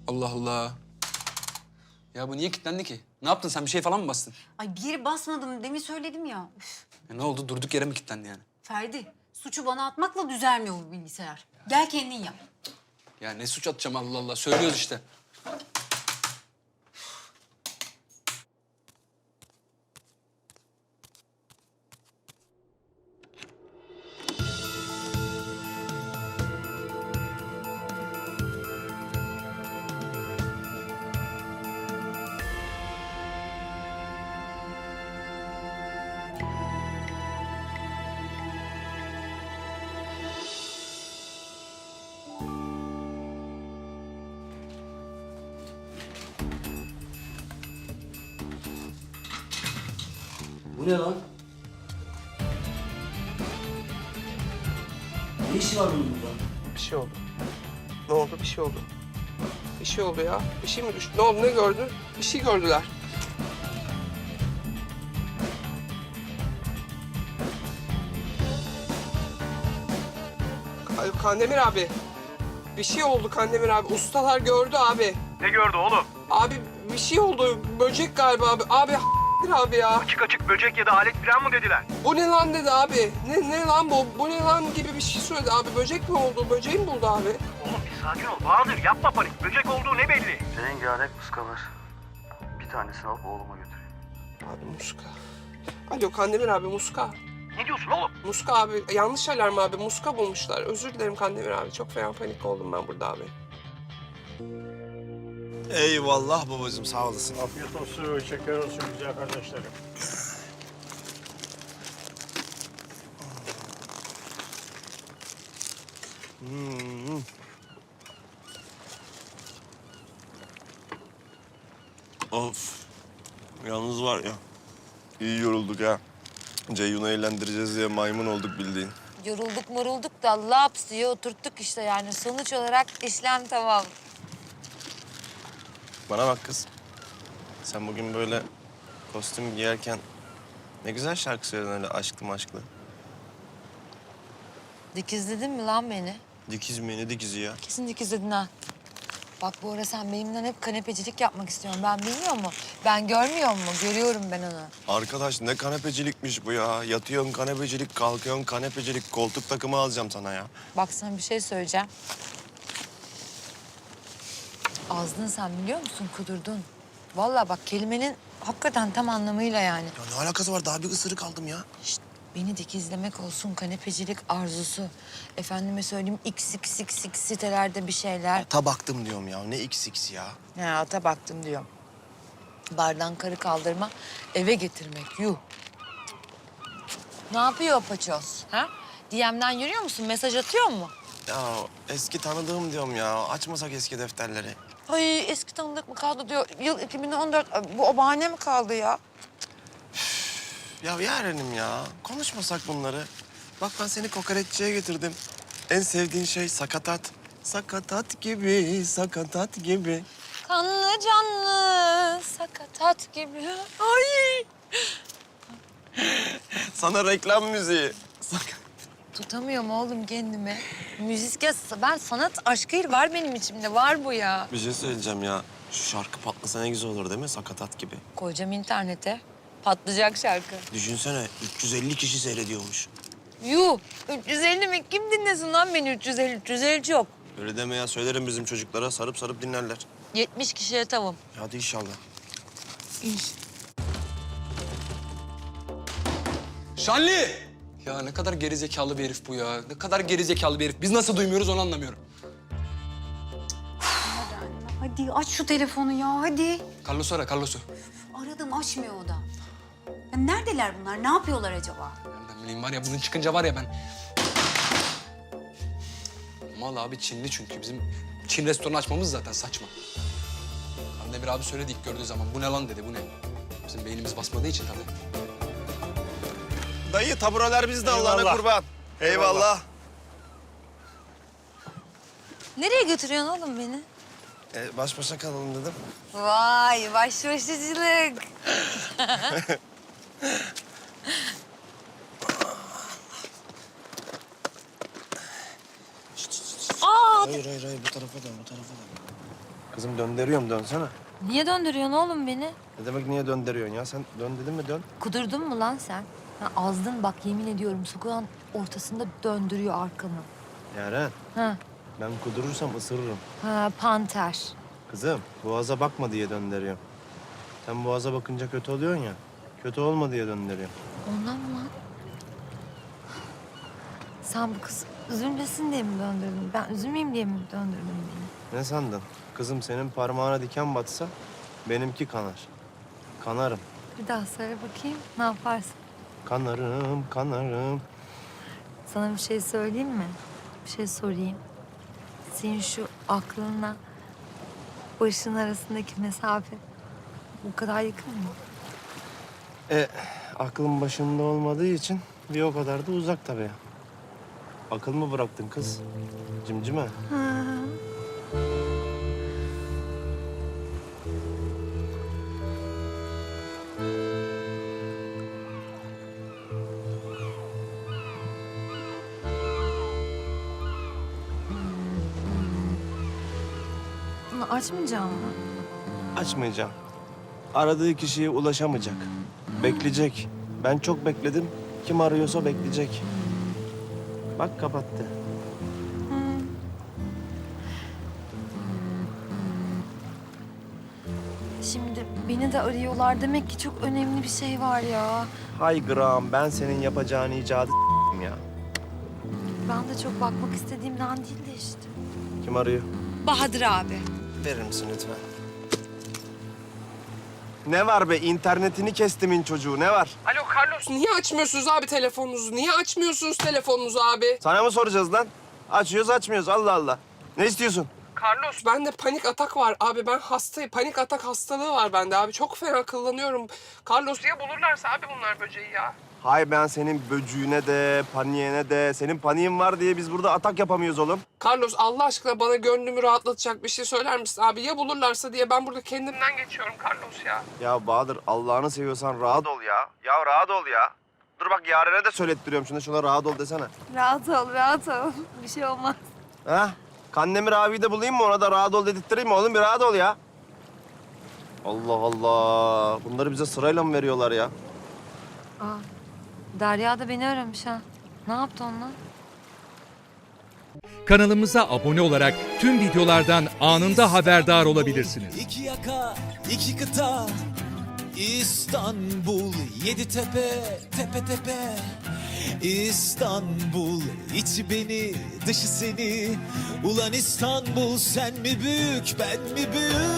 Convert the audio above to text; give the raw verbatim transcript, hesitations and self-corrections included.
Allah Allah. Ya bu niye kilitlendi ki? Ne yaptın sen? Bir şey falan mı bastın? Ay bir yere basmadım. Demin söyledim ya. Üf. Ya ne oldu? Durduk yere mi kilitlendi yani? Ferdi, suçu bana atmakla düzelmiyor bu bilgisayar. Gel kendin yap. Ya ne suç atacağım Allah Allah. Söylüyoruz işte. Bu ne lan? Ne işi var bunun burada? Bir şey oldu. Ne oldu? Bir şey oldu. Bir şey oldu ya. Bir şey mi düştü? Ne oldu? Ne gördü? Bir şey gördüler. Ay, Kandemir abi. Bir şey oldu Kandemir abi. Ustalar gördü abi. Ne gördü oğlum? Abi bir şey oldu. Böcek galiba abi. Abi abi ya. Açık açık böcek ya da alet falan mı dediler? Bu ne lan dedi abi. Ne, ne lan bu? Bu ne lan gibi bir şey söyledi abi. Böcek mi oldu? Böceği mi buldu abi? Oğlum bir sakin ol Bahadır, yapma panik. Böcek olduğu ne belli? Rengarenk muska var. Bir tanesini alıp oğluma götüreyim. Abi muska. Alo Kandemir abi muska. Ne diyorsun oğlum? Muska abi, yanlış alarm abi. Muska bulmuşlar. Özür dilerim Kandemir abi. Çok fena panik oldum ben burada abi. Eyvallah babacığım, sağ olasın. Afiyet olsun, şeker olsun güzel kardeşlerim. Hmm. Of. Yalnız var ya, iyi yorulduk ha. Ceyhun'u eğlendireceğiz diye maymun olduk bildiğin. Yorulduk morulduk da laps diye oturttuk işte yani. Sonuç olarak işlem tamam. Bana bak kız. Sen bugün böyle kostüm giyerken ne güzel şarkı söyledin öyle aşklı maşklı. Dikizledin mi lan beni? Dikiz mi, ne dikizi ya? Kesin dikizledin ha. Bak bu ara sen benimle hep kanepecilik yapmak istiyorsun. Ben bilmiyor mu? Ben görmüyor mu? Görüyorum ben onu. Arkadaş ne kanepecilikmiş bu ya. Yatıyorsun kanepecilik, kalkıyorsun kanepecilik. Koltuk takımı alacağım sana ya. Bak sana bir şey söyleyeceğim. Azdın sen biliyor musun? Kudurdun. Vallahi bak kelimenin hakikaten tam anlamıyla yani. Ya ne alakası var? Daha bir ısırık aldım ya. Şişt, beni dikizlemek olsun kanepecilik arzusu. Efendime söyleyeyim x x x x sitelerde bir şeyler. Ata baktım diyorum ya. Ne x x ya. He ata baktım diyor. Bardan karı kaldırma, eve getirmek. Yuh. Ne yapıyor o paçoz? Ha? D M'den yürüyor musun? Mesaj atıyor mu? Ya eski tanıdığım diyorum ya. Açmasak eski defterleri. Ay eski tanıdık mı kaldı diyor. Yıl iki bin on dört. Bu o bahane mi kaldı ya? Ya yarenim ya. Konuşmasak bunları. Bak ben seni kokoreççiye getirdim. En sevdiğin şey sakatat. Sakatat gibi, sakatat gibi. Kanlı canlı sakatat gibi. Ay. Sana reklam müziği. Sak- Tutamıyorum oğlum kendimi. Müzik ya ben sanat aşkı var benim içimde. Var bu ya. Bir şey söyleyeceğim ya. Şu şarkı patlasa ne güzel olur değil mi? Sakatat gibi. Koyacağım internete. Patlayacak şarkı. Düşünsene üç yüz elli kişi seyrediyormuş. Yuh! üç yüz elli mi? Kim dinlesin lan beni üç yüz elli? üç yüz elli çok. Öyle deme ya. Söylerim bizim çocuklara. Sarıp sarıp dinlerler. yetmiş kişiye tamam. Hadi inşallah. Şanli! Ya ne kadar gerizekalı bir herif bu ya. Ne kadar gerizekalı bir herif. Biz nasıl duymuyoruz onu anlamıyorum. Hadi aç şu telefonu ya hadi. Carlos'u ara, Carlos'u. Aradım açmıyor o da. Ya neredeler bunlar? Ne yapıyorlar acaba? Nereden bileyim var ya bunun çıkınca var ya ben... Mal abi Çinli çünkü. Bizim Çin restoranı açmamız zaten saçma. Kandemir abi söyledi ilk gördüğü zaman. Bu ne lan dedi, bu ne? Bizim beynimiz basmadığı için tabii. Dayı tabureler bizde Allah'ına Eyvallah. kurban. Eyvallah. Eyvallah. Nereye götürüyorsun oğlum beni? Ee, baş başa kalalım dedim. Vay başbaşıcılık. Aa, Hayır hayır hayır bu tarafa dön bu tarafa dön. Kızım döndürüyorum, dönsene. Niye döndürüyorsun oğlum beni? Ne demek niye döndürüyorsun ya? Sen dön dedim mi dön. Kudurdun mu lan sen? Ha, azdın bak yemin ediyorum sokağın ortasında döndürüyor arkamı. Yaren, Ha, ben kudurursam ısırırım. ha panter. Kızım, boğaza bakma diye döndürüyorum. Sen boğaza bakınca kötü oluyorsun ya. Kötü olma diye döndürüyorum. Ondan mı lan? Sen bu kız üzülmesin diye mi döndürdün? Ben üzülmeyeyim diye mi döndürdün beni? Ne sandın? Kızım senin parmağına diken batsa benimki kanar. Kanarım. Bir daha söyle bakayım ne yaparsın? Kanarım, kanarım. Sana bir şey söyleyeyim mi? Bir şey sorayım. Senin şu aklınla başın arasındaki mesafe bu kadar yakın mı? E, aklım başımda olmadığı için bir o kadar da uzak tabii. Akıl mı bıraktın kız? Cimcime. Bunu açmayacağım mı? Açmayacağım. Aradığı kişiye ulaşamayacak. Bekleyecek. Ben çok bekledim. Kim arıyorsa bekleyecek. Bak kapattı. Şimdi beni de arıyorlar. Demek ki çok önemli bir şey var ya. Hay Graham, ben senin yapacağın icadı s**tim ya. Ben de çok bakmak istediğimden değil de işte. Kim arıyor? Bahadır abi. Verir misin lütfen? Ne var be? İnternetini kestimin çocuğu. Ne var? Alo Carlos, niye açmıyorsunuz abi telefonunuzu? Niye açmıyorsunuz telefonunuzu abi? Sana mı soracağız lan? Açıyoruz açmıyoruz. Allah Allah. Ne istiyorsun? Carlos, bende panik atak var abi. Ben hastayım. Panik atak hastalığı var bende abi. Çok fena kullanıyorum. Carlos, ya bulurlarsa abi bunlar böceği ya. Hay ben senin böcüğüne de, paniğine de. Senin paniğin var diye biz burada atak yapamıyoruz oğlum. Carlos, Allah aşkına bana gönlümü rahatlatacak bir şey söyler misin abi? Ya bulurlarsa diye ben burada kendimden geçiyorum Carlos ya. Ya Bahadır, Allah'ını seviyorsan rahat ol ya. Ya rahat ol ya. Dur bak Yaren'e de söylettiriyorum. Şuna şuna rahat ol desene. Rahat ol, rahat ol. Bir şey olmaz. Ha? Kandemir abiyi de bulayım mı? Ona da rahat ol dedirttireyim mi oğlum? Bir rahat ol ya. Allah Allah. Bunları bize sırayla mı veriyorlar ya? Aa, Derya da beni aramış ha. Ne yaptı onunla? Kanalımıza abone olarak tüm videolardan anında haberdar olabilirsiniz. İki yaka, iki kıta, İstanbul, yedi tepe, tepe tepe. İstanbul, içi beni, dışı seni. Ulan İstanbul, sen mi büyük, ben mi büyük?